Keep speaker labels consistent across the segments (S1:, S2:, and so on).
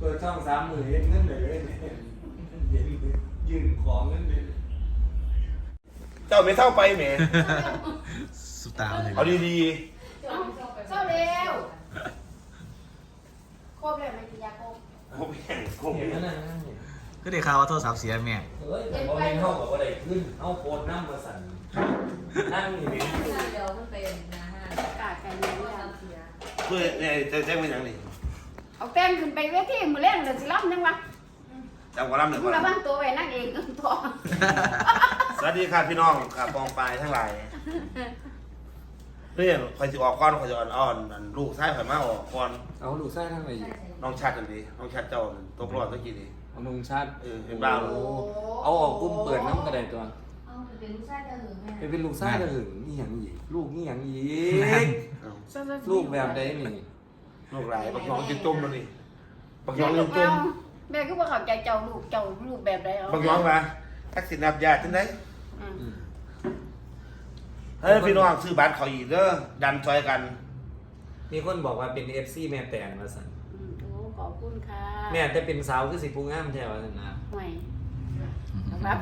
S1: ปิดช่อง30,000เห็นเงินเลยยืนของเงินเลย
S2: เจ้าไม่เท่าไปแหม
S3: สุดตาเลย
S2: เอาดี
S4: เศร้าเร็วครบเลยมันกินยาครบ
S2: ๆผมแข่งผม
S1: เห็นนั่น
S3: ก็ได้ข่าวว่าโทรศัพท์เสียแม่
S1: เฮ้ยแต่พอมีห้องกับว่าได้ขึ้นเอาโคตรน้ำมาสั่นนั่งอยู่นี่
S5: เดี๋ยวมันเป็นนะฮะ
S4: อากาศแค่นี้
S5: เสีย
S2: เพื่อเนี่ยจะแจ้งเป็นอย่างนี้
S4: เอาแป้งขึ้นไปเวทีมือเล่นเดี๋ยวสิรับยังวะ
S2: จำความรับหนึ่ง
S4: มึ
S2: ก่
S4: ง
S2: อน
S4: ระวังตัวไว้นั่งเองตัว
S2: สวัสดีค่ะพี่น้องค่ะปองปลายทั้งหลายเรื่องคอยจะออกก้อนคอยจะอ่อนลูกชายคอยมาออกก้อน
S1: เอาลูกไส้ทั้งไหนอยู่
S2: น้องชัดกันดีน้องชัดเจ้าตกรอดเมื่อกี้นี้
S1: เอานุ่งชาติ
S2: เห็นบ้าง
S1: เอาออกกุ้มเปิดน้ำกระไดตัว
S5: เอาเป็นลูกชายจะหึงแม่
S1: เป็นลูกไส้จะหึงนี่อย่างอีกลูกนี่อย่างอีก
S4: ลู
S1: ลูกแบบใดนี่
S2: ลูกหลายบักน้องจะจมแล้วนี่บักน้องยังจม
S4: แม่ก็บอกเขาใจเจ้าลูกแบบใดเอา
S2: บักน้องมาทักษิณนับญาติที่ไหนเฮ้ยพี่น้องซื้อบัตรเขาอีกเด้อดันซอยกัน
S1: มีคนบอกว่าเป็น FC แม่แตนมาสั่น
S4: โอ้ขอบคุณค่ะ
S1: แม่แต่เป็นสาวคือสิผู้งามแท้ว่าสั่นนะ
S4: ห่วยครับ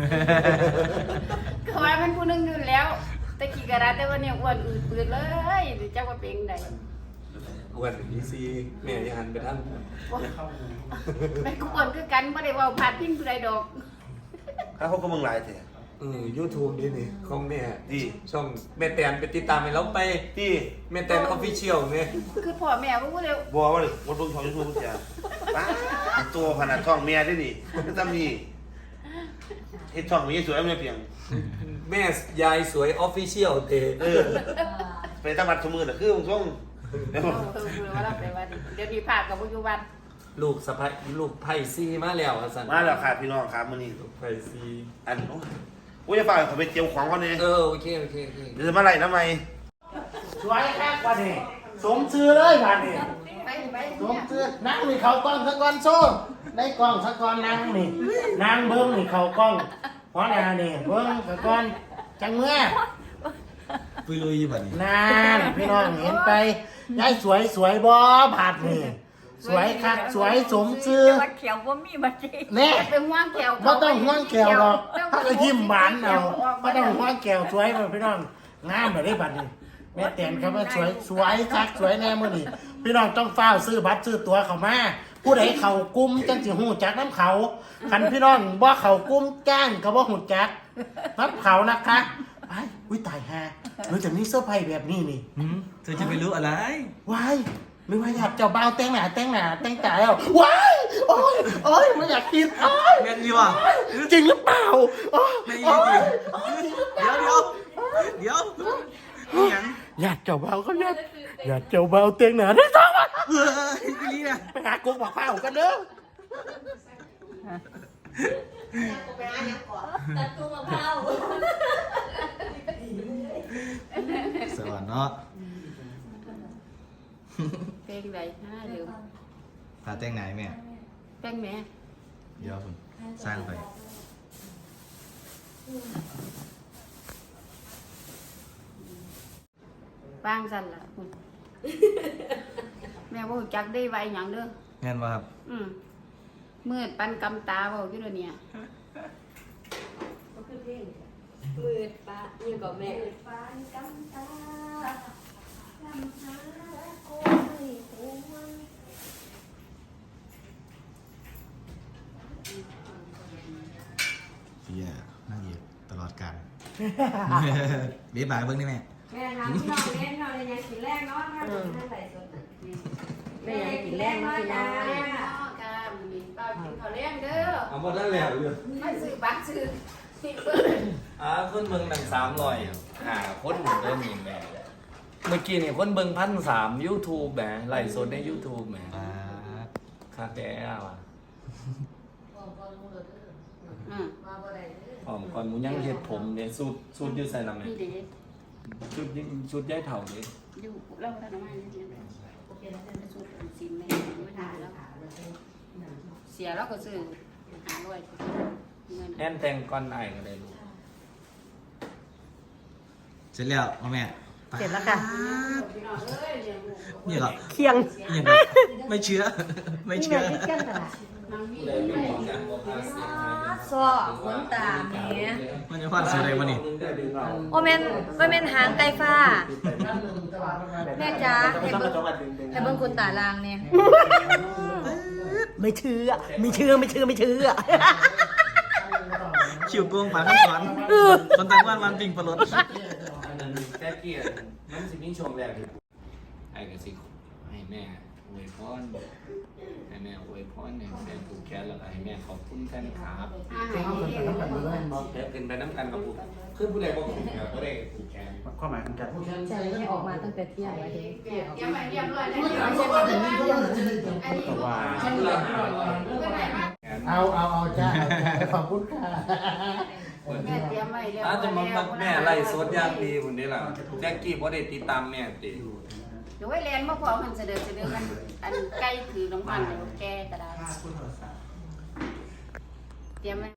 S4: ก็ว่ามันผู้นึงอยู่แล้วแต่กี่กระดาษแต่ว่าเนี่ยอ้วนอืดปืดเลยเจ้าว่าเป็นใด
S1: อ้วนอีซีแม่ยังหันไปทาง
S4: แม่ก็อ้วนคือกันไม่ได้ว่าพาดพิงผู้ใดดอก
S2: ข้าเขาก็มึงหลายเถอะ
S1: YouTube นี่นี่ของแม่
S2: ดี
S1: ช่องแม่แตนไปติดตามให้เราไป
S2: ที่
S1: แม่แตน Official เนี่ย
S4: คือพ่อแม่ว่าเร็ว
S2: บัวว่าเลยวันรุ่งช่องยูทูบเสียป้าตัวขนาดช่องเมียได้ดิไม่ต้องมีเฮ็ดช่องมีสวยไม่เพียง
S1: แม่ยายสวย Official เต
S2: ไปตั้งบัตรสมือน่ะคือมึงช่อง
S4: ว่าเราไปว่าเดี๋ยวนี้ผ่ากับปัจจุบัน
S1: ลูกสะพ้ายลูกไผ่ซีมาแล้วว่าซั่น
S2: มาแล้วค่ะพี่น้องครับมื้อนี้
S1: ลูกไผ่ซี
S2: อันโอ้ยจะฝากเขาไปเตรียมของก่อนเนี่ย
S1: โอเค
S2: เดี๋ยวจะมาไล่ทำไม
S6: สวยแค่กว่านี่สมชื่อเลยบ้านนี่
S4: ไป
S6: สมชื่อนั่งนี่เขากล้องสักก้อนโซ่ได้กล้องสักก้อนนั่งนี่นั่งเบิ้งนี่เขากล้องหัวหน้านี่เบิ้งสักก้อนจังเมื่อ
S3: ปุยลุยแบบนี้
S6: นานพี่น้องเห็นไปยายสวยบ่บาดนี่สวยคักสวยสมชื่อ
S5: วัดเขียวว่ามีบัตร
S6: แน่
S4: เป็นห่วงแขว
S6: บ่ต้องห่วงแก้วหรอกถ้าก็ยิ้มหวานเอาบ่ต้องห่วงแก้วสวยบ่พี่น้องงามแบบนี้บัดนี้แม่แตนเขาว่าสวยคักสวยแน่มื้อนี้พี่น้องต้องเฝ้าซื้อบัตรซื้อตั๋วเข้ามาผู้ใดเข้ากลุ่มจังสิฮู้จักน้ำเขาคันพี่น้องบ่เข้ากลุ่มจ้างก็บ่ฮู้จักน้ำเขานะคะไปอุ้ยตายฮะหรือจะมีเสื้อร์ไผ่แบบนี้นี่
S3: เธอจะไปรู้อะไร
S6: ว้ายหรือว่าอยากเจ้าบ่าวแต่งหน้าแต่งตาแล้วว้ายโอ้ยไม่อยากกินโอ้ย
S3: แม่ดีว่ะ
S6: จริงหรือเปล่าโอ้ย
S3: ไม่จ
S6: โอ้
S3: ริ
S6: ย
S3: งเดี๋ยวนี่ยัง
S6: อยากเจ้าบ่าวก็อยากเจ้าบ่าวแต่งหน้าได้ต้องอ่ะ
S3: เฮ้ยนี่นะ
S6: ไปหากุ๊กบอกข้าวกันเด้อ
S5: ตัดตัวมะพร้าว
S3: สวัสดีเนาะ
S4: เพลงใดเดี๋ยว
S3: พาแต่งไหนแม่
S4: เพลงแม่
S3: เดี๋ยวผมสร้างไป
S4: บางสั่นล่ะคุณแม่ว่าจักได้ไว้หยังเด้อ
S3: เงินว่าครับ
S4: มืดปันกำตาเว้าอยู่เด้อเนี่ย
S5: มือป้าอยู่กับแม่ป้ากำตาลำหาโอ้ยโอ้ย
S3: เสียนั่งเอกตลอดการเบี้ยบายเบิ้งได้ไหม
S5: แม่ทำพี่น้องเล่นเราเลยยังกินแรกเนาะถ้าเป็นท่านใส่สดแม่ยังกินแรกเนาะจ้า
S4: กามีเป้ากินข้าวแรงเด้อ
S1: เอาบ่ได้แล้วอยู่
S4: มาซื้อบัตรซื้อที่เปิ้น
S1: คนเบิ่งดัง300คนเริ่มมีแม่เมื่อกี้นี่คนเบิ่ง1,300 YouTube แหมไลฟ์สดใน YouTube แหมคักแท้ว่ะหอมก่อนหมูยังเฮ็ดผมเนี่ยสูตรอยู่ใส่น้ำแม่
S4: นี่เด้
S1: ชุดย้ายเถ่าดิ
S4: อยู่เล่าท่านมาเนี่ยสูตรสินไม่ทานแล้วเสียแล้วก็ซื้อ500เงิน
S1: แอนแต่งก่อนไอ้ก็ได้ลูก
S3: เสร็จแล้วพ่อแม่
S5: เสร็จแล้วค่ะ
S3: นี่เหรอ
S5: เคียง
S3: นี่เหรอไม่เชื่อ ไม่เชื่อ
S5: ที่เคียงตลาด
S1: เลยเป็นของการบอกภาษี
S5: ซอขนตาแหม
S3: มันจะพลาดเสียอะไรวะนี่
S5: โอเมนหางไก่ฟ้า แม่จ๋าให้เบิ่งขนตาลางเนี่ยไม่เชื่อ
S3: คิวโกงปากข้างขวานคนต่างบ้านวันปิงปลด
S1: อันนั้นแค่เกียรติมันสิมีช่วงแรกที่ไอ้กสิให้แม่อวยพรให้แม่อวยพรให้แม่ผูกแขนแล้วก็ให้แม่ขอบคุณแฟนคลับแค่เป็นไปน้ำกันกับผูกคือผู้ใดบอกผูกแขนผู้ใดผูกแขน
S6: ความหมายของการพูด
S5: ใช่ให้ออกมาตั้งแต่เที่ยงแล้วเด้
S4: ยังไม่เรียบร้อยเลย
S6: ตัวว่า
S1: แขน
S6: เอาจ้าขอบคุณค่ะ
S4: แม่เตรียมไว้เรียบร้
S1: อา
S4: อย
S1: จจะมา
S4: แล้ว
S1: แม่ไล่สดอย่างดีคนนี้ล่ะแจ็คกี้บ่ได้ติดตามแม่ติ
S4: เดี๋ยวไว้แลนมาพอมันเสด็จกันอันใกล้ถือน้ำมันเดี๋ยวแกก็ได้เตรียมไว้